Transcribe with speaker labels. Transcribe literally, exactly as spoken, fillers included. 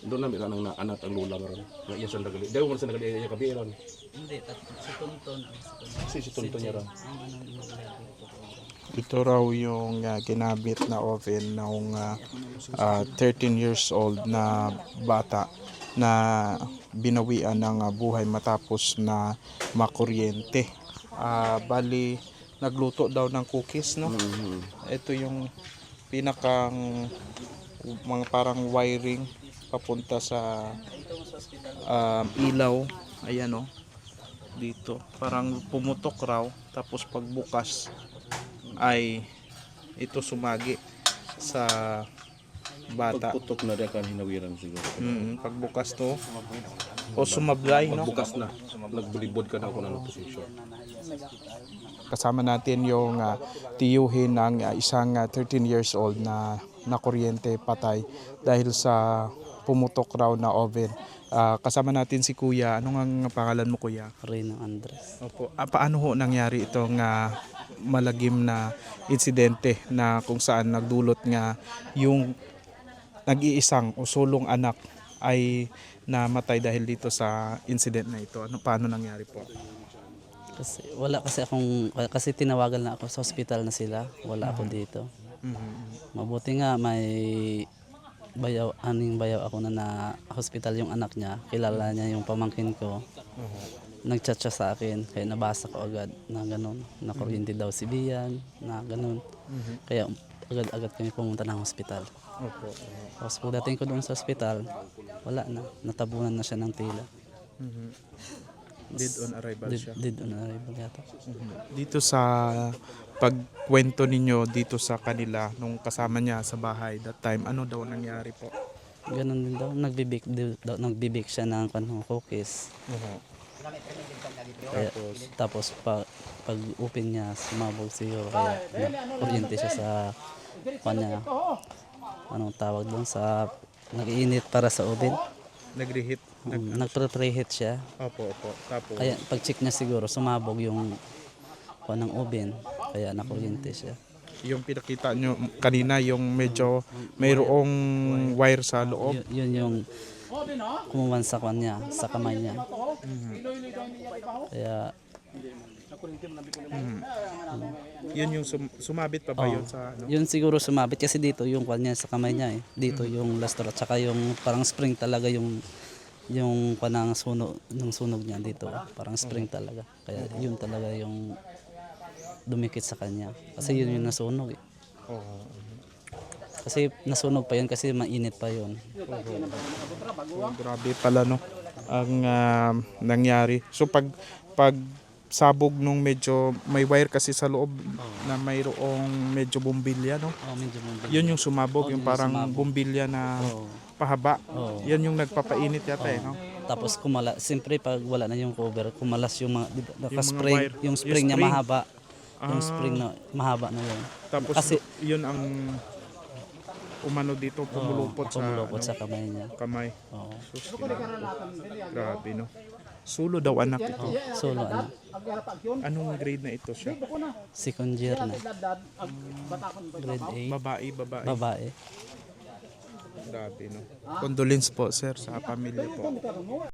Speaker 1: Doon na meron ang anak ang lula maron. Nga iya sa nagali. Dayo man sa nagali iya kabi ron.
Speaker 2: Hindi, tat si Tonton ang si Tonton.
Speaker 1: Si si tonton niya ra.
Speaker 2: Ang anong imaglagi ito.
Speaker 3: Ito raw yung uh, ginamit na oven ng uh, uh, thirteen years old na bata na binawian ng uh, buhay matapos na makuryente. Uh, bali, nagluto daw ng cookies, no?
Speaker 1: Mm-hmm.
Speaker 3: Ito yung pinakang mga parang wiring papunta sa uh, ilaw. Ayan, no? Dito. Parang pumutok raw. Tapos pagbukas ay ito sumagi sa bata.
Speaker 1: Pagputok na rin kan hinawiran siguro.
Speaker 3: Mm, pagbukas to o sumablay, no?
Speaker 1: Pagbukas na. Nagbulibod ka na ako ng position.
Speaker 3: Kasama natin yung uh, tiyuhin ng uh, isang uh, thirteen years old na nakuryente patay dahil sa pumutok raw na oven. Uh, kasama natin si Kuya. Ano nga pangalan mo, Kuya?
Speaker 2: Reyno Andres.
Speaker 3: Opo. Ah, paano ho nangyari itong uh, malagim na insidente na kung saan nagdulot nga yung nag-iisang o sulong anak ay namatay dahil dito sa incident na ito? Ano, paano nangyari po?
Speaker 2: Kasi wala kasi akong kasi tinawagan na ako sa ospital na sila. Wala ako dito.
Speaker 3: Mm-hmm.
Speaker 2: Mabuti nga may bayaw aning bayaw ako na na hospital yung anak niya. Kilala niya yung pamangkin ko.
Speaker 3: Uh-huh.
Speaker 2: Nag-chat siya sa akin kaya nabasa ko agad na ganun. Na kuryente daw si Bian na ganun.
Speaker 3: Mm-hmm.
Speaker 2: Kaya agad-agad kami pumunta ng hospital.
Speaker 3: Opo.
Speaker 2: Tapos pagdating ko doon sa hospital, wala na. Natabunan na siya ng tila.
Speaker 3: Mm-hmm. Dead on arrival
Speaker 2: Dead,
Speaker 3: siya.
Speaker 2: dead on arrival yata.
Speaker 3: Dito sa pagkwento ninyo dito sa kanila nung kasama niya sa bahay that time, ano daw nangyari po?
Speaker 2: Ganun din daw. Nagbibik, daw, nagbibik siya ng kanong cookies.
Speaker 3: Uh-huh.
Speaker 2: Kaya, tapos pa, pag open niya, sumabog siguro. Kaya na, kuryente siya sa kanya. Anong tawag doon sa nag-iinit para sa oven.
Speaker 3: Nag-reheat. Nag
Speaker 2: Um, Nag-preheat siya.
Speaker 3: Opo, opo. Tapos
Speaker 2: Kaya pag check niya siguro, sumabog yung kanang oven. Kaya nakuryente siya.
Speaker 3: yung pinakita nyo kanina, yung medyo mayroong wire sa loob.
Speaker 2: Y- yun yung kumuwan sa kanya, sa kamay niya. Kaya
Speaker 3: Mhm. Yun yung sum- sumabit pa ba
Speaker 2: Oo.
Speaker 3: yun sa ano?
Speaker 2: yun siguro sumabit kasi dito yung kanya sa kamay niya eh. Dito yung lastor at saka yung parang spring talaga yung yung kanang sunog ng sunog niya dito. Parang spring talaga. Kaya yun talaga yung dumikit sa kanya. Kasi yun yung nasunog eh.
Speaker 3: Oo.
Speaker 2: Kasi nasunog pa yun kasi mainit pa yun.
Speaker 3: So, grabe pala, no, ang ah, nangyari. So pag pag sabog nung medyo may wire kasi sa loob na mayroong medyo bumbilya, no?
Speaker 2: Oh, medyo mabalik.
Speaker 3: Yun yung sumabog,
Speaker 2: Oh,
Speaker 3: yung
Speaker 2: yun yung
Speaker 3: parang
Speaker 2: sumabog.
Speaker 3: bumbilya na
Speaker 2: Oo.
Speaker 3: pahaba.
Speaker 2: Oo.
Speaker 3: Yan yung nagpapainit yata, eh, no?
Speaker 2: Tapos kumala, siyempre pag wala na yung cover, kumalas yung mga di ba,
Speaker 3: mga
Speaker 2: naka-spring,
Speaker 3: wire.
Speaker 2: yung
Speaker 3: Yung
Speaker 2: spring niya
Speaker 3: spring.
Speaker 2: mahaba. Yung
Speaker 3: Ah.
Speaker 2: spring na mahaba na yun.
Speaker 3: Tapos
Speaker 2: Kasi-
Speaker 3: yun ang umano dito, pumulupot sa
Speaker 2: Pumulupot
Speaker 3: ano,
Speaker 2: sa kamay niya.
Speaker 3: kamay.
Speaker 2: Oo.
Speaker 3: Sus, grabe, no? Sulo daw anak ito.
Speaker 2: Solo ano,
Speaker 3: Anong grade na ito siya?
Speaker 2: second year na. Grade eight.
Speaker 3: Babae, babae.
Speaker 2: Babae.
Speaker 3: Grabe, no? Condolence po, sir, sa pamilya po.